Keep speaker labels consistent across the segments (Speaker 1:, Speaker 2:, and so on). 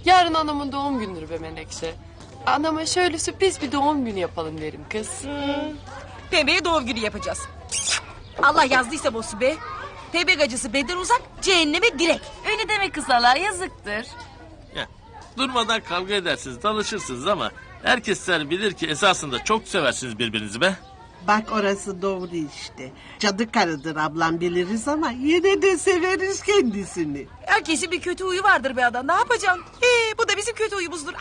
Speaker 1: Yarın anamın doğum günüdür be Menekşe. Anama şöyle sürpriz bir doğum günü yapalım derim kız.
Speaker 2: Pembe'ye doğum günü yapacağız. Allah yazdıysa bozu be. Pembe gacısı beden uzak, cehenneme direkt.
Speaker 3: Öyle deme kısalar yazıktır.
Speaker 4: Ya, durmadan kavga edersiniz, dalışırsınız ama herkesler bilir ki esasında çok seversiniz birbirinizi be.
Speaker 5: Bak orası doğru işte. Cadı karıdır ablam biliriz ama yine de severiz kendisini.
Speaker 2: Herkesin bir kötü huyu vardır be adam. Ne yapacaksın? Bu da bizim kötü huyumuzdur.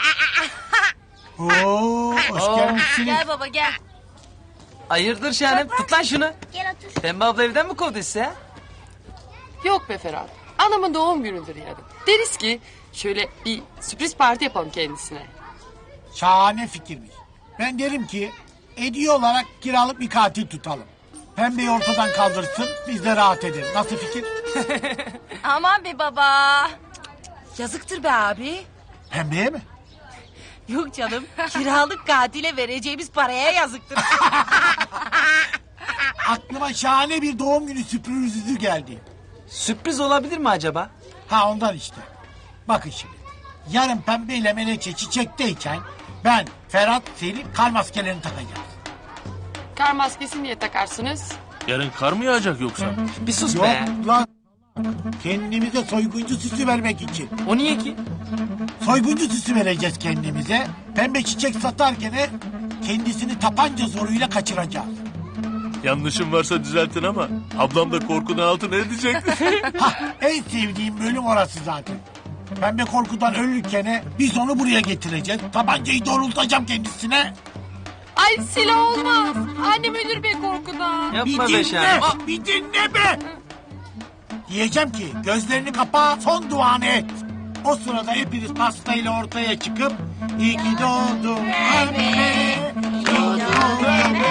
Speaker 6: Oo, hoş gelmişsiniz.
Speaker 3: Gel baba gel.
Speaker 7: Hayırdır Şahanem? Tut lan şunu.
Speaker 3: Gel otur.
Speaker 7: Pembe abla evden mi kovdu size?
Speaker 1: Yok be Ferhat. Anamın doğum günüdür yarın. Deriz ki şöyle bir sürpriz parti yapalım kendisine.
Speaker 6: Şahane fikirmiş. Ben derim ki hediye olarak kiralık bir katil tutalım. Pembeyi ortadan kaldırsın, biz de rahat ederiz. Nasıl fikir?
Speaker 3: Aman be baba.
Speaker 2: Yazıktır be abi.
Speaker 6: Pembeye mi?
Speaker 2: Yok canım. Kiralık katile vereceğimiz paraya yazıktır.
Speaker 6: Aklıma şahane bir doğum günü sürprizi geldi.
Speaker 7: Sürpriz olabilir mi acaba?
Speaker 6: Ha ondan işte. Bakın şimdi. Yarın Pembe ile Menekşe çiçekteyken ben, Ferhat, Selim kar maskelerini takacağız.
Speaker 1: Kar maskesi niye takarsınız?
Speaker 4: Yarın kar mı yağacak yoksa?
Speaker 7: Bir sus
Speaker 6: Yok
Speaker 7: be.
Speaker 6: lan. Kendimize soyguncu süsü vermek için.
Speaker 7: O niye ki?
Speaker 6: Soyguncu süsü vereceğiz kendimize. Pembe çiçek satarken kendisini tapanca zoruyla kaçıracağız.
Speaker 4: Yanlışım varsa düzeltin ama ablam da korkudan altına edecek.
Speaker 6: Hah, en sevdiğim bölüm orası zaten. Pembe korkudan ölürken biz onu buraya getireceğiz. Tabancayı doğrultacağım kendisine.
Speaker 1: Ay silah olmaz. Annem ölür be korkudan.
Speaker 7: Yapma
Speaker 6: Bir
Speaker 7: be
Speaker 6: dinle,
Speaker 7: Şahanem.
Speaker 6: bir dinle be. Diyeceğim ki gözlerini kapa, son duanı et. O sırada hepiniz pastayla ortaya çıkıp iyi ki doğdun Pembe, doğdun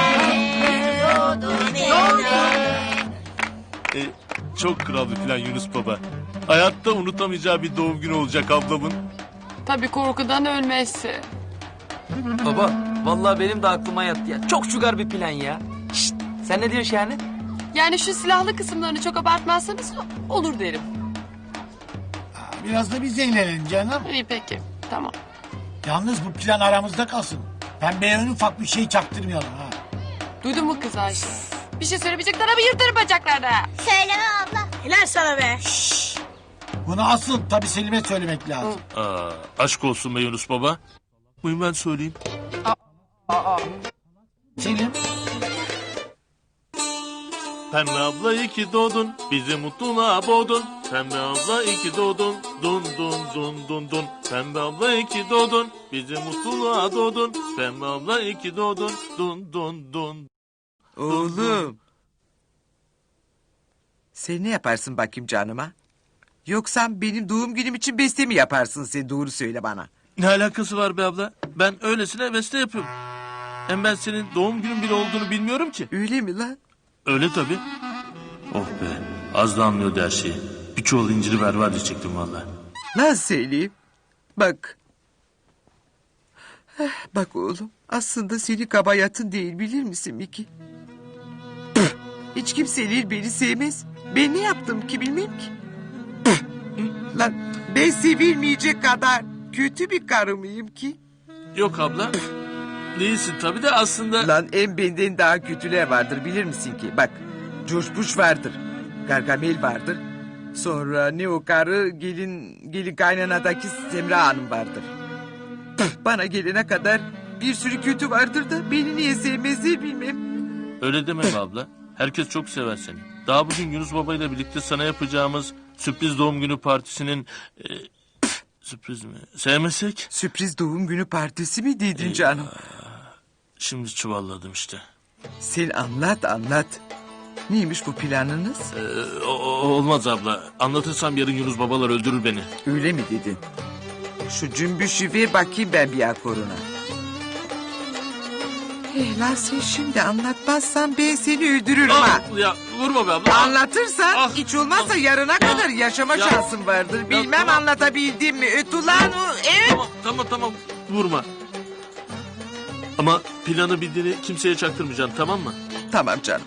Speaker 4: Çok kral bir plan Yunus Baba. Hayatta unutamayacağı bir doğum günü olacak ablamın.
Speaker 1: Tabii korkudan ölmezse.
Speaker 7: Baba vallahi benim de aklıma yattı ya. Çok şugar bir plan ya. Şşt, sen ne diyorsun Şahanem?
Speaker 1: Yani şu silahlı kısımlarını çok abartmazsanız olur derim.
Speaker 6: Biraz da biz eğlenelim canım.
Speaker 1: İyi peki tamam.
Speaker 6: Yalnız bu plan aramızda kalsın. Pembeye en ufak bir şey çaktırmayalım ha.
Speaker 1: Duydun mu kız Ayşe? Bir şey söylemeyecekler ama yırtarım bacaklarına.
Speaker 3: Söyleme abla.
Speaker 2: Helal sana be.
Speaker 6: Bunu asıl tabii Selim'e söylemek lazım.
Speaker 4: Aşk olsun be Yunus Baba. Buyurun ben söyleyeyim.
Speaker 6: Selim,
Speaker 4: Pembe abla iyi ki doğdun, bizi mutluluğa boğdun. Pembe abla iyi ki doğdun, dun dun dun dun dun. Pembe abla iyi ki doğdun, bizi mutluluğa doğdun. Pembe abla iyi ki doğdun, dun dun dun.
Speaker 8: Oğlum. Sen ne yaparsın bakayım canıma? Yoksa benim doğum günüm için beste mi yaparsın sen doğru söyle bana.
Speaker 4: Ne alakası var be abla? Ben öylesine beste yapıyorum. Hem ben senin doğum günün bile olduğunu bilmiyorum ki.
Speaker 8: Öyle mi lan?
Speaker 4: Öyle tabii. Oh be, az da anlıyordu her şeyi. Bir çuval inciri ver diyecektim valla.
Speaker 8: Lan söyleyeyim. Bak. Bak oğlum aslında senin kabayatın değil bilir misin Miki? Hiç kimseler beni sevmez. Ben ne yaptım ki bilmem ki. Lan ben sevilmeyecek kadar kötü bir karı mıyım ki?
Speaker 4: Yok abla. Değilsin tabii de aslında...
Speaker 8: Lan en benden daha kötüler vardır bilir misin ki? Bak George Bush vardır. Gargamel vardır. Sonra ne o karı gelin kaynanadaki Semra Hanım vardır. Bana gelene kadar bir sürü kötü vardır da beni niye sevmezler bilmem.
Speaker 4: Öyle deme be abla. Herkes çok sever seni. Daha bugün Yunus Baba ile birlikte sana yapacağımız sürpriz doğum günü partisinin... sürpriz mi? Sevmesek?
Speaker 8: Sürpriz doğum günü partisi mi dedin canım?
Speaker 4: Şimdi çuvalladım işte.
Speaker 8: Sen anlat. Neymiş bu planınız?
Speaker 4: Olmaz abla. Anlatırsam yarın Yunus Babalar öldürür beni.
Speaker 8: Öyle mi dedin? Şu cümbüşü ver bakayım ben bir akoruna. Lan sen şimdi anlatmazsan ben seni öldürürüm ha.
Speaker 4: Ya vurma be abla.
Speaker 8: Anlatırsan
Speaker 4: Ah.
Speaker 8: hiç olmazsa yarına kadar yaşama
Speaker 4: Ya.
Speaker 8: şansın vardır. Bilmem
Speaker 4: tamam.
Speaker 8: anlatabildim mi? Öt ulan o. Evet.
Speaker 4: Tamam. Vurma. Ama planı bildiğini kimseye çaktırmayacaksın tamam mı?
Speaker 8: Tamam canım.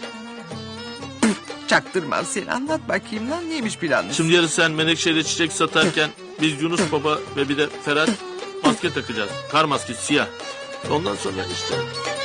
Speaker 8: Çaktırmam seni. Anlat bakayım lan neymiş planın?
Speaker 4: Şimdi yarın sen Menekşe'yle çiçek satarken Biz Yunus Baba ve bir de Ferhat maske takacağız. Kar maskesi siyah. Ondan sonra işte